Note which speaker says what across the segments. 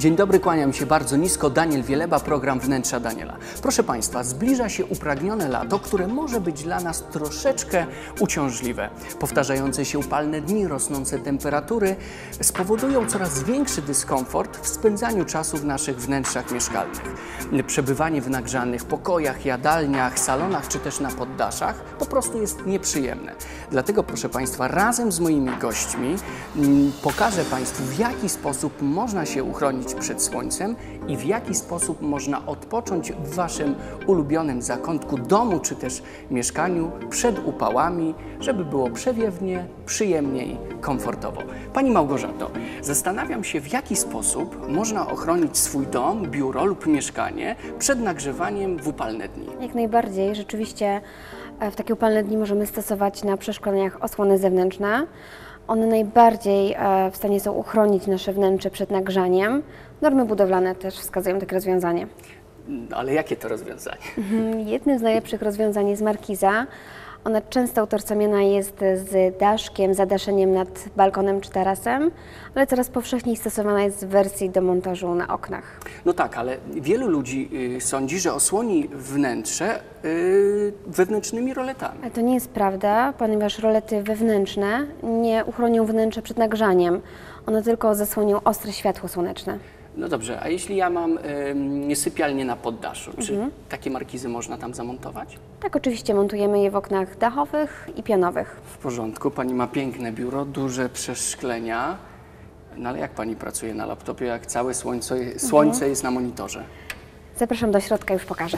Speaker 1: Dzień dobry, kłaniam się bardzo nisko. Daniel Wieleba, program Wnętrza Daniela. Proszę Państwa, zbliża się upragnione lato, które może być dla nas troszeczkę uciążliwe. Powtarzające się upalne dni, rosnące temperatury spowodują coraz większy dyskomfort w spędzaniu czasu w naszych wnętrzach mieszkalnych. Przebywanie w nagrzanych pokojach, jadalniach, salonach czy też na poddaszach po prostu jest nieprzyjemne. Dlatego, proszę Państwa, razem z moimi gośćmi pokażę Państwu, w jaki sposób można się uchronić przed słońcem i w jaki sposób można odpocząć w Waszym ulubionym zakątku domu czy też mieszkaniu przed upałami, żeby było przewiewnie, przyjemniej, komfortowo. Pani Małgorzato, zastanawiam się, w jaki sposób można ochronić swój dom, biuro lub mieszkanie przed nagrzewaniem w upalne dni.
Speaker 2: Jak najbardziej. Rzeczywiście w takie upalne dni możemy stosować na przeszkoleniach osłony zewnętrzne. One najbardziej w stanie są uchronić nasze wnętrze przed nagrzaniem. Normy budowlane też wskazują takie rozwiązanie.
Speaker 1: Ale jakie to rozwiązanie?
Speaker 2: Jednym z najlepszych rozwiązań jest markiza. Ona często utożsamiana jest z daszkiem, zadaszeniem nad balkonem czy tarasem, ale coraz powszechniej stosowana jest w wersji do montażu na oknach.
Speaker 1: No tak, ale wielu ludzi sądzi, że osłoni wnętrze wewnętrznymi roletami.
Speaker 2: Ale to nie jest prawda, ponieważ rolety wewnętrzne nie uchronią wnętrza przed nagrzaniem. One tylko zasłonią ostre światło słoneczne.
Speaker 1: No dobrze, a jeśli ja mam sypialnię na poddaszu, czy takie markizy można tam zamontować?
Speaker 2: Tak, oczywiście montujemy je w oknach dachowych i pionowych.
Speaker 1: W porządku, pani ma piękne biuro, duże przeszklenia. No ale jak pani pracuje na laptopie, jak całe słońce jest na monitorze?
Speaker 2: Zapraszam do środka, już pokażę.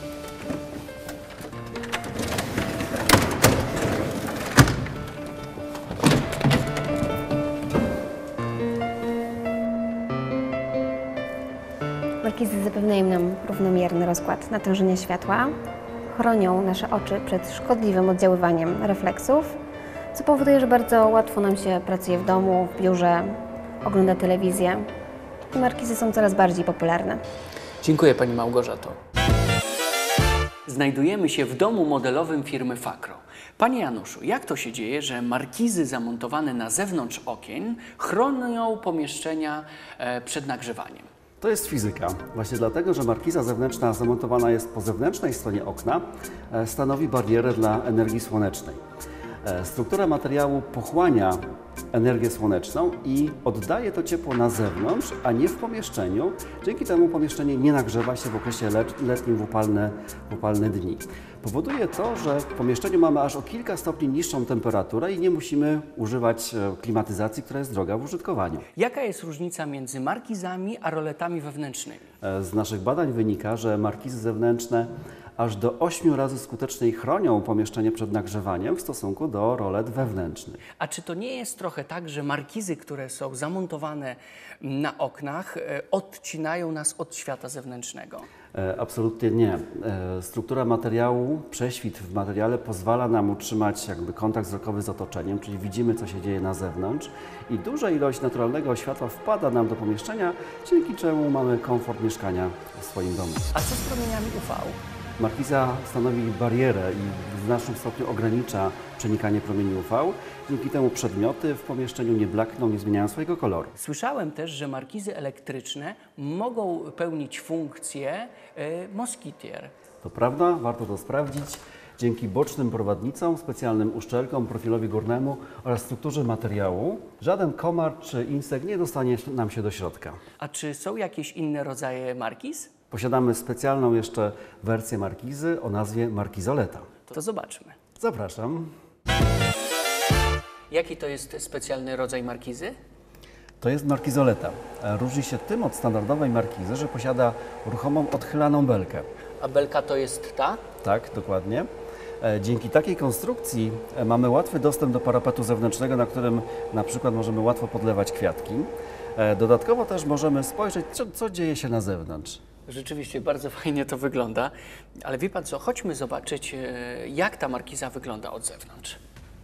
Speaker 2: Markizy zapewniają nam równomierny rozkład natężenia światła, chronią nasze oczy przed szkodliwym oddziaływaniem refleksów, co powoduje, że bardzo łatwo nam się pracuje w domu, w biurze, ogląda telewizję i markizy są coraz bardziej popularne.
Speaker 1: Dziękuję pani Małgorzato. Znajdujemy się w domu modelowym firmy Fakro. Panie Januszu, jak to się dzieje, że markizy zamontowane na zewnątrz okien chronią pomieszczenia przed nagrzewaniem?
Speaker 3: To jest fizyka. Właśnie dlatego, że markiza zewnętrzna zamontowana jest po zewnętrznej stronie okna, stanowi barierę dla energii słonecznej. Struktura materiału pochłania energię słoneczną i oddaje to ciepło na zewnątrz, a nie w pomieszczeniu. Dzięki temu pomieszczenie nie nagrzewa się w okresie letnim w upalne dni. Powoduje to, że w pomieszczeniu mamy aż o kilka stopni niższą temperaturę i nie musimy używać klimatyzacji, która jest droga w użytkowaniu.
Speaker 1: Jaka jest różnica między markizami a roletami wewnętrznymi?
Speaker 3: Z naszych badań wynika, że markizy zewnętrzne aż do 8 razy skuteczniej chronią pomieszczenie przed nagrzewaniem w stosunku do rolet wewnętrznych.
Speaker 1: A czy to nie jest trochę tak, że markizy, które są zamontowane na oknach, odcinają nas od świata zewnętrznego?
Speaker 3: Absolutnie nie. Struktura materiału, prześwit w materiale pozwala nam utrzymać kontakt wzrokowy z otoczeniem, czyli widzimy, co się dzieje na zewnątrz i duża ilość naturalnego światła wpada nam do pomieszczenia, dzięki czemu mamy komfort mieszkania w swoim domu.
Speaker 1: A co z promieniami UV?
Speaker 3: Markiza stanowi barierę i w znacznym stopniu ogranicza przenikanie promieni UV. Dzięki temu przedmioty w pomieszczeniu nie blakną, nie zmieniają swojego koloru.
Speaker 1: Słyszałem też, że markizy elektryczne mogą pełnić funkcję moskitier.
Speaker 3: To prawda, warto to sprawdzić. Dzięki bocznym prowadnicom, specjalnym uszczelkom, profilowi górnemu oraz strukturze materiału żaden komar czy insekt nie dostanie nam się do środka.
Speaker 1: A czy są jakieś inne rodzaje markiz?
Speaker 3: Posiadamy specjalną jeszcze wersję markizy o nazwie markizoleta.
Speaker 1: To zobaczmy.
Speaker 3: Zapraszam.
Speaker 1: Jaki to jest specjalny rodzaj markizy?
Speaker 3: To jest markizoleta. Różni się tym od standardowej markizy, że posiada ruchomą, odchylaną belkę.
Speaker 1: A belka to jest ta?
Speaker 3: Tak, dokładnie. Dzięki takiej konstrukcji mamy łatwy dostęp do parapetu zewnętrznego, na którym na przykład możemy łatwo podlewać kwiatki. Dodatkowo też możemy spojrzeć, co dzieje się na zewnątrz.
Speaker 1: Rzeczywiście bardzo fajnie to wygląda, ale wie pan co, chodźmy zobaczyć, jak ta markiza wygląda od zewnątrz.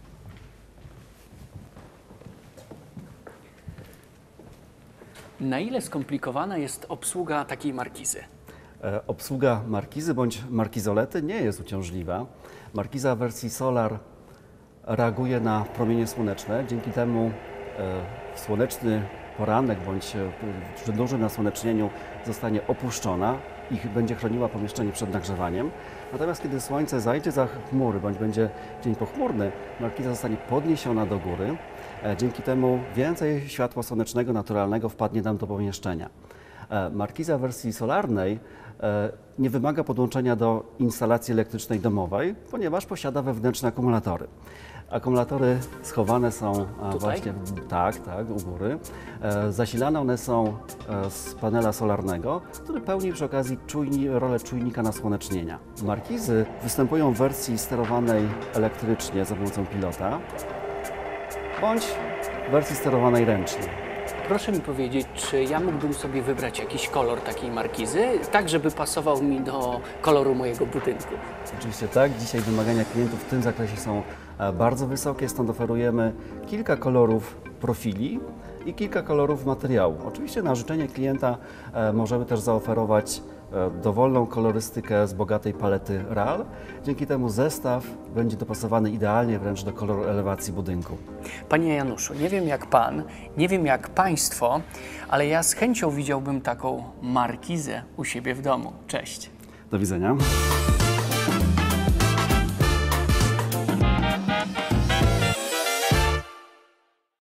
Speaker 1: Na ile skomplikowana jest obsługa takiej markizy?
Speaker 3: Obsługa markizy bądź markizolety nie jest uciążliwa. Markiza w wersji Solar reaguje na promienie słoneczne. Dzięki temu słoneczny poranek bądź przy dużym nasłonecznieniu zostanie opuszczona i będzie chroniła pomieszczenie przed nagrzewaniem. Natomiast kiedy słońce zajdzie za chmury bądź będzie dzień pochmurny, markiza zostanie podniesiona do góry. Dzięki temu więcej światła słonecznego, naturalnego wpadnie nam do pomieszczenia. Markiza w wersji solarnej nie wymaga podłączenia do instalacji elektrycznej domowej, ponieważ posiada wewnętrzne akumulatory. Akumulatory schowane są właśnie tak, u góry. Zasilane one są z panela solarnego, który pełni przy okazji rolę czujnika nasłonecznienia. Markizy występują w wersji sterowanej elektrycznie za pomocą pilota, bądź w wersji sterowanej ręcznie.
Speaker 1: Proszę mi powiedzieć, czy ja mógłbym sobie wybrać jakiś kolor takiej markizy, tak żeby pasował mi do koloru mojego budynku?
Speaker 3: Oczywiście tak. Dzisiaj wymagania klientów w tym zakresie są bardzo wysokie, stąd oferujemy kilka kolorów profili i kilka kolorów materiału. Oczywiście na życzenie klienta możemy też zaoferować dowolną kolorystykę z bogatej palety RAL. Dzięki temu zestaw będzie dopasowany idealnie wręcz do koloru elewacji budynku.
Speaker 1: Panie Januszu, nie wiem jak Pan, nie wiem jak Państwo, ale ja z chęcią widziałbym taką markizę u siebie w domu. Cześć.
Speaker 3: Do widzenia.